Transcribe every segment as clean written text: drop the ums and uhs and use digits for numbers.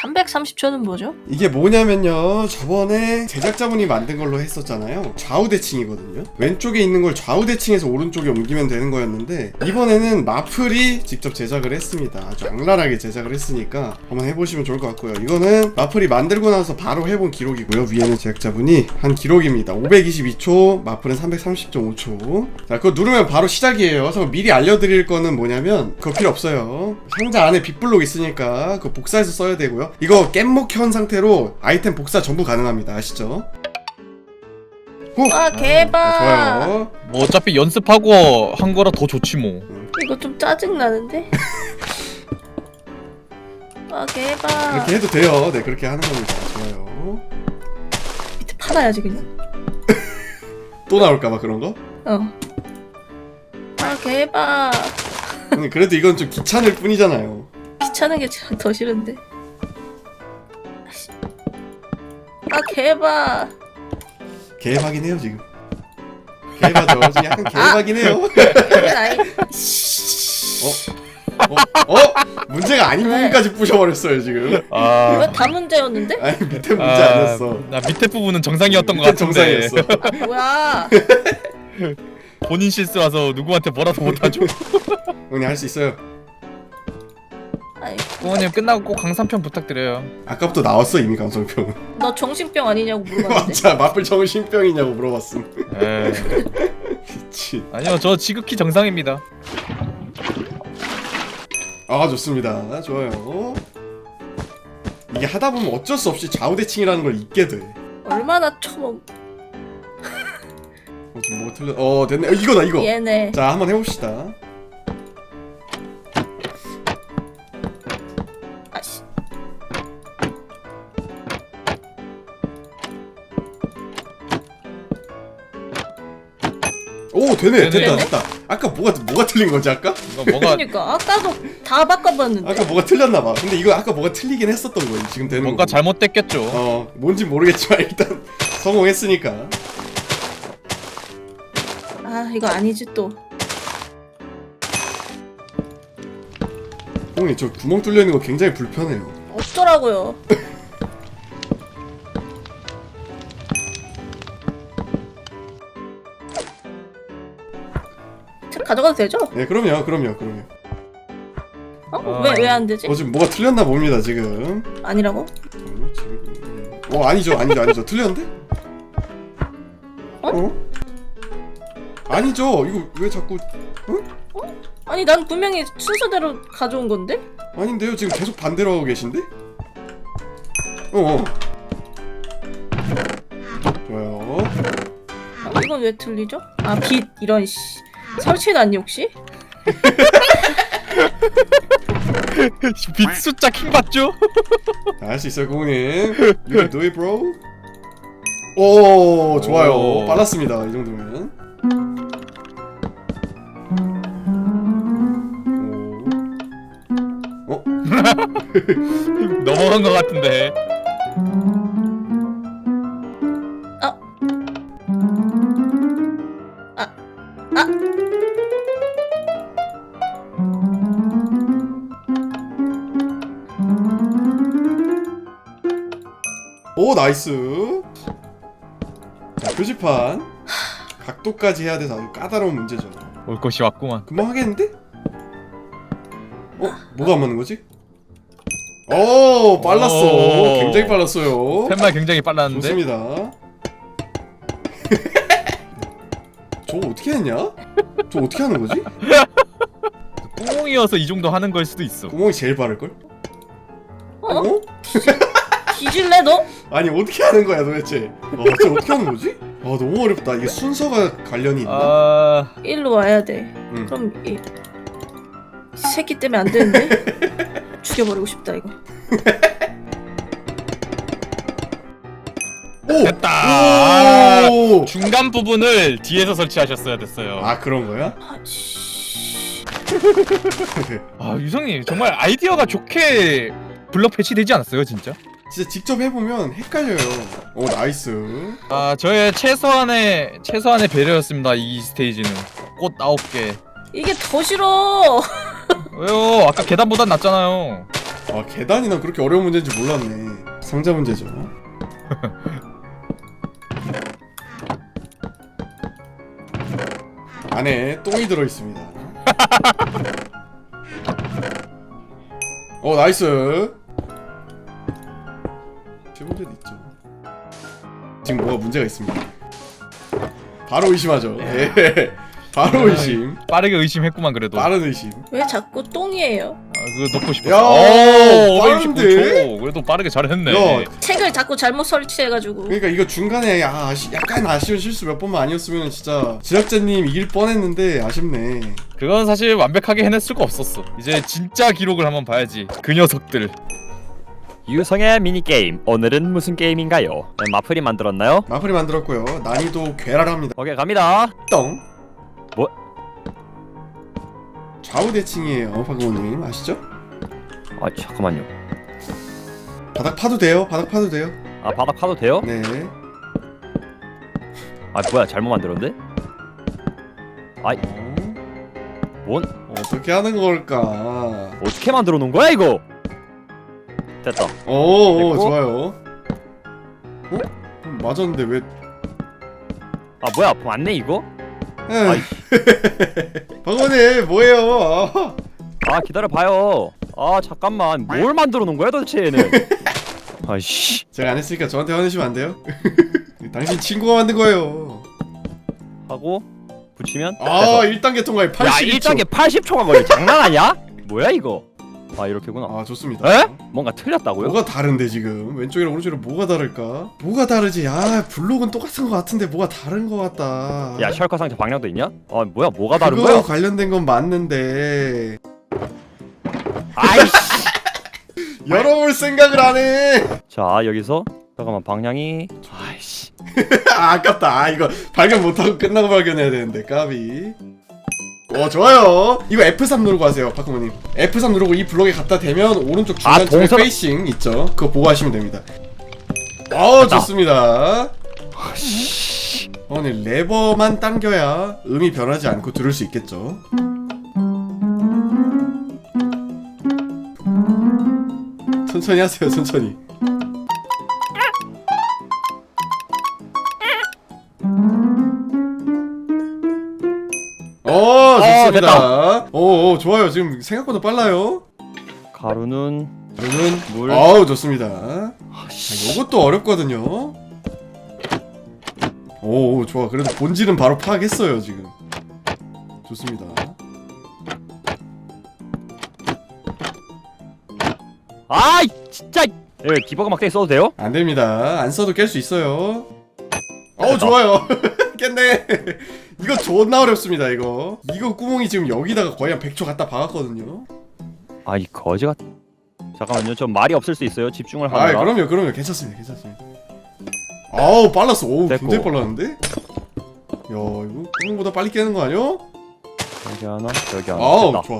330초는 뭐죠? 이게 뭐냐면요, 저번에 제작자분이 만든 걸로 했었잖아요. 좌우 대칭이거든요. 왼쪽에 있는 걸 좌우 대칭해서 오른쪽에 옮기면 되는 거였는데, 이번에는 마플이 직접 제작을 했습니다. 아주 악랄하게 제작을 했으니까 한번 해보시면 좋을 것 같고요. 이거는 마플이 만들고 나서 바로 해본 기록이고요. 위에는 제작자분이 한 기록입니다. 522초, 마플은 330.5초. 자, 그거 누르면 바로 시작이에요. 그래서 미리 알려드릴 거는 뭐냐면 그거 필요 없어요. 상자 안에 빅블록 있으니까 그거 복사해서 써야 되고요. 이거 깻목 켠 상태로 아이템 복사 전부 가능합니다. 아시죠? 아 대박. 좋아요. 뭐 어차피 연습하고 한 거라 더 좋지 뭐. 이거 좀 짜증나는데? 아 대박. 그렇게 해도 돼요. 네, 그렇게 하는 겁니다. 좋아요. 밑에 팔아야지 그냥. 또 나올까봐 그런 거? 아 대박. 근데 그래도 이건 좀 귀찮을 뿐이잖아요. 귀찮은 게 더 싫은데. 아 개박. 개박이긴 해요 지금. 개박죠. 지금 약간 개박이긴 해요. 아이. 문제가 아닌 왜? 부분까지 부셔버렸어요 지금. 이거 다 문제였는데? 아니 밑에 문제 아니었어. 나 밑에 부분은 정상이었던 것 밑에 같은데. 정상이었어. 아 뭐야? 본인 실수라서 누구한테 뭐라도 못하죠. 형님 할 수 있어요. 아이, 부모님 끝나고 꼭 강산편 부탁드려요. 아까부터 나왔어 이미 감성평. 너 정신병 아니냐고 물어봤는데. 맞아, 마플 정신병이냐고 물어봤음. 에 미친. 아니요, 저 지극히 정상입니다. 아 좋습니다. 좋아요. 이게 하다 보면 어쩔 수 없이 좌우대칭이라는 걸 잊게 돼. 얼마나 처먹. 지금 뭐가 틀려? 됐네. 이거다 이거. 얘네. 자 한번 해봅시다. 아씨. 오 되네. 되네. 됐다. 아까 뭐가 틀린 거지 아까? 이거 뭐가 그러니까 아까도 다 바꿔봤는데. 아까 뭐가 틀렸나 봐. 근데 이거 아까 뭐가 틀리긴 했었던 거예요. 지금 되는 뭔가 거. 잘못됐겠죠. 뭔지 모르겠지만 일단 성공했으니까. 아 이거 아니지 또. 형님 저 구멍 뚫려 있는 거 굉장히 불편해요. 없더라고요. 책 가져가도 되죠? 네, 그럼요. 왜 안 되지? 지금 뭐가 틀렸나 봅니다 지금. 아니라고? 잠깐만요, 지금. 아니죠. 틀렸는데? 아니죠. 이거 왜 자꾸? 아니 난 분명히 순서대로 가져온 건데? 아닌데요. 지금 계속 반대로 하고 계신데? 좋아요. 이건 왜 틀리죠? 아 빛 이런 씨. 설치해놨니 혹시? 빛 숫자 킹 받죠? 할 수 있어요, 고객님. You can do it, bro. 오, 좋아요. 오. 빨랐습니다. 이 정도면. 넘어간 것 같은데. 오, 나이스. 자, 표지판. 각도까지 해야 돼서 아주 까다로운 문제죠. 올 것이 왔구만. 금방 하겠는데? 뭐가 안 맞는 거지? 오, 빨랐어. 오. 굉장히 빨랐어요. 팻말 굉장히 빨랐는데. 좋습니다. 저거 어떻게 했냐? 저거 어떻게 하는 거지? 꽁이어서 이 정도 하는 걸 수도 있어. 구멍이 제일 빠를걸? 어? 뒤질래 너? 아니 어떻게 하는 거야 도대체? 진짜 어떻게 하는 거지? 너무 어렵다. 이게 순서가 관련이 있나? 일로 와야 돼. 그럼 이 새끼 때문에 안 되는데? 죽여버리고 싶다 이거. 오! 됐다. 오! 중간 부분을 뒤에서 설치하셨어야 됐어요. 그런 거야? 유성님 정말 아이디어가 좋게 블럭 배치되지 않았어요 진짜? 진짜 직접 해보면 헷갈려요. 오, 나이스. 저의 최소한의 배려였습니다. 이 스테이지는 꽃 9개. 이게 더 싫어. 왜요? 아까 계단보단 낫잖아요. 아 계단이 난 그렇게 어려운 문제인지 몰랐네. 상자 문제죠. 안에 똥이 들어있습니다. 나이스. 제 문제도 있죠. 지금 뭐가 문제가 있습니다. 바로 의심하죠. 예. 바로 의심. 빠르게 의심했구만 그래도. 빠른 의심. 왜 자꾸 똥이에요? 그거 넣고 싶었어. 야, 빠른데? 569초. 그래도 빠르게 잘했네. 야, 책을 자꾸 잘못 설치해가지고. 그러니까 이거 중간에 약간 아쉬운 실수 몇 번만 아니었으면 진짜 제작자님 이길 뻔했는데 아쉽네. 그건 사실 완벽하게 해낼 수가 없었어. 이제 진짜 기록을 한번 봐야지. 그 녀석들. 유성의 미니게임 오늘은 무슨 게임인가요? 네, 마플이 만들었나요? 마플이 만들었고요. 난이도 괴랄합니다. 오케이 갑니다. 똥. 뭐? 좌우 대칭이에요, 박우호님 아시죠? 아 잠깐만요. 바닥 파도 돼요. 바닥 파도 돼요. 아 바닥 파도 돼요? 네. 아 뭐야 잘못 만들었는데? 아이 뭔? 어떻게 하는 걸까? 어떻게 만들어 놓은 거야 이거? 됐다. 오, 됐고. 좋아요. 맞았는데 왜? 아 뭐야 맞네 이거? 에이. 박우호님 뭐예요? 아 기다려봐요. 아 잠깐만 뭘 만들어 놓은 거야 도대체 얘는? 아이씨. 제가 안 했으니까 저한테 화내시면 안 돼요? 당신 친구가 만든 거예요. 하고 붙이면 아, 됐어. 1단계 통과에 야 82초. 1단계 80초가 걸려. 장난하냐? 뭐야 이거? 아 이렇게구나. 아, 좋습니다. 에? 뭔가 틀렸다고요? 뭐가 다른데 지금? 왼쪽이랑 오른쪽이랑 뭐가 다를까? 뭐가 다르지? 블록은 똑같은 거 같은데 뭐가 다른 거 같다. 야 셜커 상자 방향도 있냐? 아 뭐야 뭐가 다른 그거 거야? 관련된 건 맞는데 아이씨. 열어볼 생각을 안 해. 자 여기서 잠깐만 방향이 아이씨. 아깝다. 이거 발견 못하고 끝나고 발견해야 되는데 까비. 좋아요. 이거 F3 누르고 하세요, 파크모님. F3 누르고 이 블록에 갖다 대면 오른쪽 중간쯤에 동선- 페이싱 있죠. 그거 보고 하시면 됩니다. 좋습니다. 네, 레버만 당겨야 음이 변하지 않고 들을 수 있겠죠. 천천히 하세요, 천천히. 좋습니다. 좋아요. 지금 생각보다 빨라요. 가루는 그러면 물. 좋습니다. 요것도 어렵거든요. 좋아. 그래도 본질은 바로 파악했어요, 지금. 좋습니다. 아이 진짜. 이거 디버그 막대기 써도 돼요? 안 됩니다. 안 써도 깰 수 있어요. 좋아요. 깼네. 이거 존나 어렵습니다, 이거. 이거 구멍이 지금 여기다가 거의 한 100초 갖다 박았거든요. 아이 거지가. 잠깐만요 좀 말이 없을 수 있어요 집중을 하느라. 그럼요. 괜찮습니다. 빨랐어. 됐고. 굉장히 빨랐는데? 야, 이거 구멍보다 빨리 깨는 거 아니야? 여기 하나 여기 하나. 됐다. 좋아.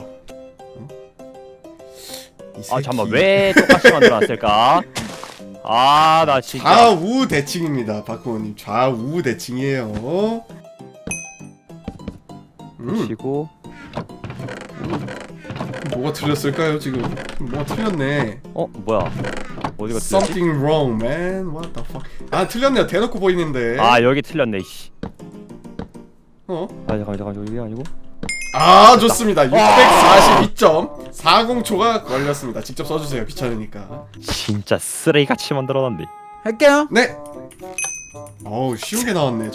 이 아 새끼. 잠깐만 왜 똑같이 만들어놨을까? 아 나 진짜. 좌우 대칭입니다, 박구호님. 좌우 대칭이에요. 치고. 뭐가 틀렸을까요, 지금? 뭐가 틀렸네. 뭐야 어디가 틀렸지? Something wrong, man. What the fuck? 틀렸네요. 대놓고 보이는데. 아 여기 틀렸네 씨. 어? 잠깐만 이게 아니고. 좋습니다. 642.40초가 걸렸습니다. 직접 써주세요. 귀찮으니까. 진짜 쓰레기같이 만들어놨네. 할게요. 네. 쉬운 게 나왔네.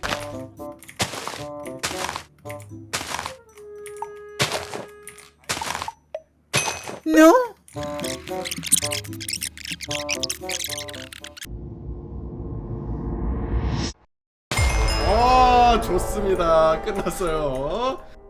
No. 좋습니다. 끝났어요.